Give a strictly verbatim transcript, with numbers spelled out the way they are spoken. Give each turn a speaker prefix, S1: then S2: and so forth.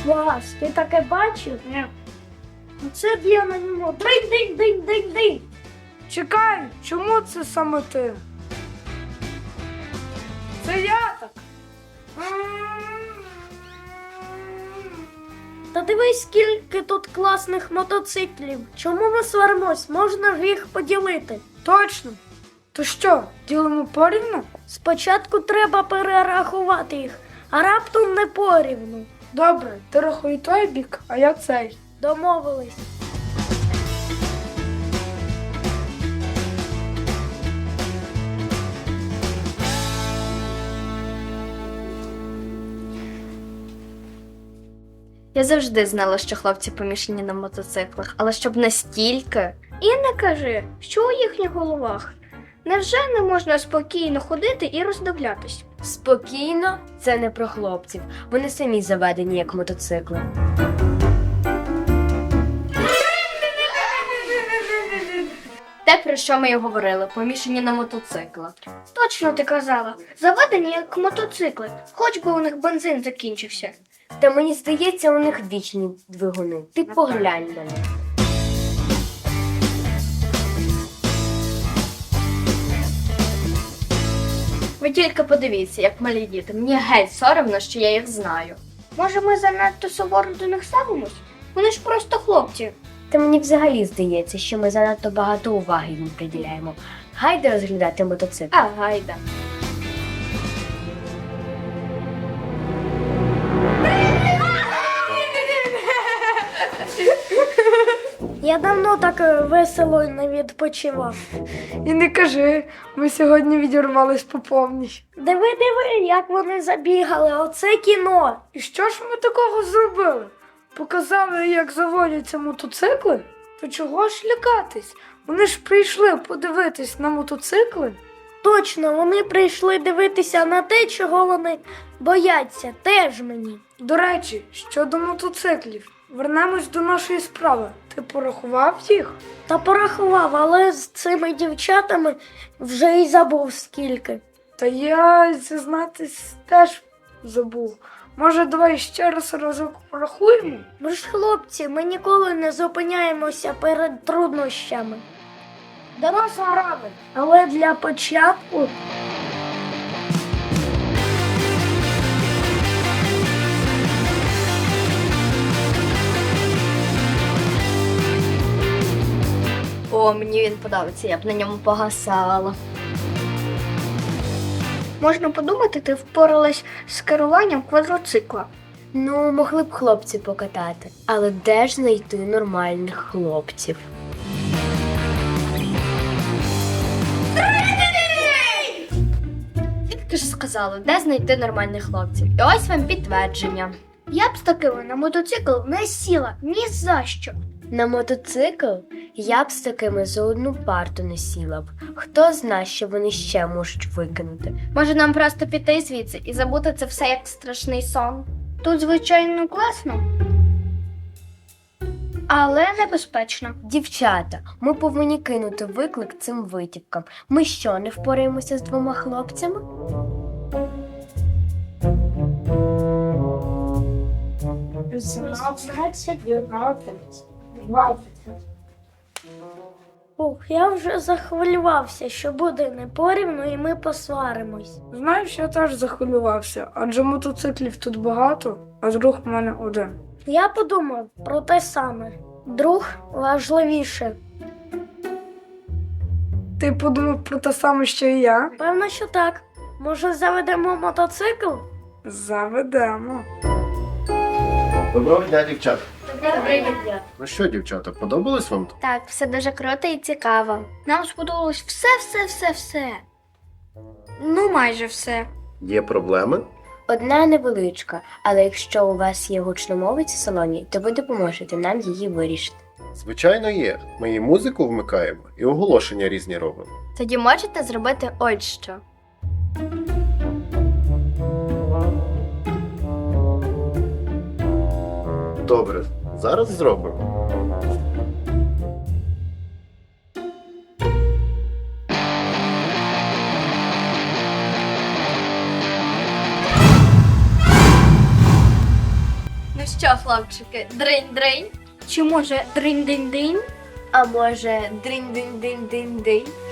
S1: Клас, ти таке бачив? Ні. Це б я на ньому. Динь-динь-динь-динь-динь.
S2: Чекай, чому це саме ти? Це я так.
S1: Та дивись, скільки тут класних мотоциклів. Чому ми сваримось? Можна ж їх поділити.
S2: Точно. То що, ділимо порівну?
S1: Спочатку треба перерахувати їх, а раптом не порівну.
S2: Добре, ти рахуй той бік, а я цей.
S1: Домовились.
S3: Я завжди знала, що хлопці помішані на мотоциклах, але щоб настільки.
S4: І не кажи, що у їхніх головах. Невже не можна спокійно ходити і роздивлятись?
S3: Спокійно, це не про хлопців. Вони самі заведені як мотоцикли. Те, про що ми й говорили, помішані на мотоциклах.
S4: Точно ти казала, заведені як мотоцикли, хоч би у них бензин закінчився.
S3: Та мені здається, у них вічні двигуни. Ти поглянь на них. Ви тільки подивіться, як малі діти. Мені геть соромно, що я їх знаю.
S4: Може, ми занадто суворо до них ставимось? Вони ж просто хлопці.
S3: Та мені взагалі здається, що ми занадто багато уваги їм приділяємо. Гайда розглядати мотоцикл.
S4: А, гайда.
S1: Я давно так е, весело не відпочивав.
S2: І не кажи, ми сьогодні відірвались по повній.
S1: Диви, диви, як вони забігали. Оце кіно.
S2: І що ж ми такого зробили? Показали, як заводяться мотоцикли? То чого ж лякатись? Вони ж прийшли подивитись на мотоцикли.
S1: Точно, вони прийшли дивитися на те, чого вони бояться. Теж мені.
S2: До речі, щодо мотоциклів, вернемось до нашої справи. Ти порахував їх?
S1: Та порахував, але з цими дівчатами вже й забув скільки.
S2: Та я, зізнатись, теж забув. Може, давай ще раз разок порахуємо?
S1: Ми ж хлопці, ми ніколи не зупиняємося перед труднощами.
S2: Доросла рада.
S1: Але для початку
S3: О, мені він подобається, я б на ньому погасала.
S4: Можна подумати, ти впоралась з керуванням квадроцикла.
S3: Ну, могли б хлопці покатати. Але де ж знайти нормальних хлопців? Ти ж сказала, де знайти нормальних хлопців. І ось вам підтвердження.
S4: Я б з такими на мотоцикл не сіла ні за що.
S3: На мотоцикл я б з такими за одну парту не сіла б. Хто знає, що вони ще можуть викинути.
S4: Може, нам просто піти звідси і забути це все як страшний сон? Тут, звичайно, класно, але небезпечно.
S3: Дівчата, ми повинні кинути виклик цим витівкам. Ми що, не впораємося з двома хлопцями?
S1: ух, я вже захвилювався, що буде не порівну і ми посваримось.
S2: Знаєш, я теж захвилювався, адже мотоциклів тут багато, а друг у мене один.
S1: Я подумав про те саме. Друг важливіше.
S2: Ти подумав про те саме, що і я?
S1: Певно, що так. Може, заведемо мотоцикл?
S2: Заведемо.
S5: Доброго дня, дівчата.
S3: Добрий день.
S5: Ну що, дівчата, подобалось вам тут?
S4: Так, все дуже круто і цікаво. Нам сподобалось все-все-все-все. Ну, майже все.
S5: Є проблеми?
S3: Одна невеличка, але якщо у вас є гучномовець у салоні, то ви допоможете нам її вирішити.
S5: Звичайно, є. Ми і музику вмикаємо, і оголошення різні робимо.
S3: Тоді можете зробити ось що.
S5: Добре, зараз зробимо.
S4: Ну що, хлопчики, дринь-дринь? Чи може дринь-динь-динь?
S3: А може, дринь-динь-динь-динь-динь?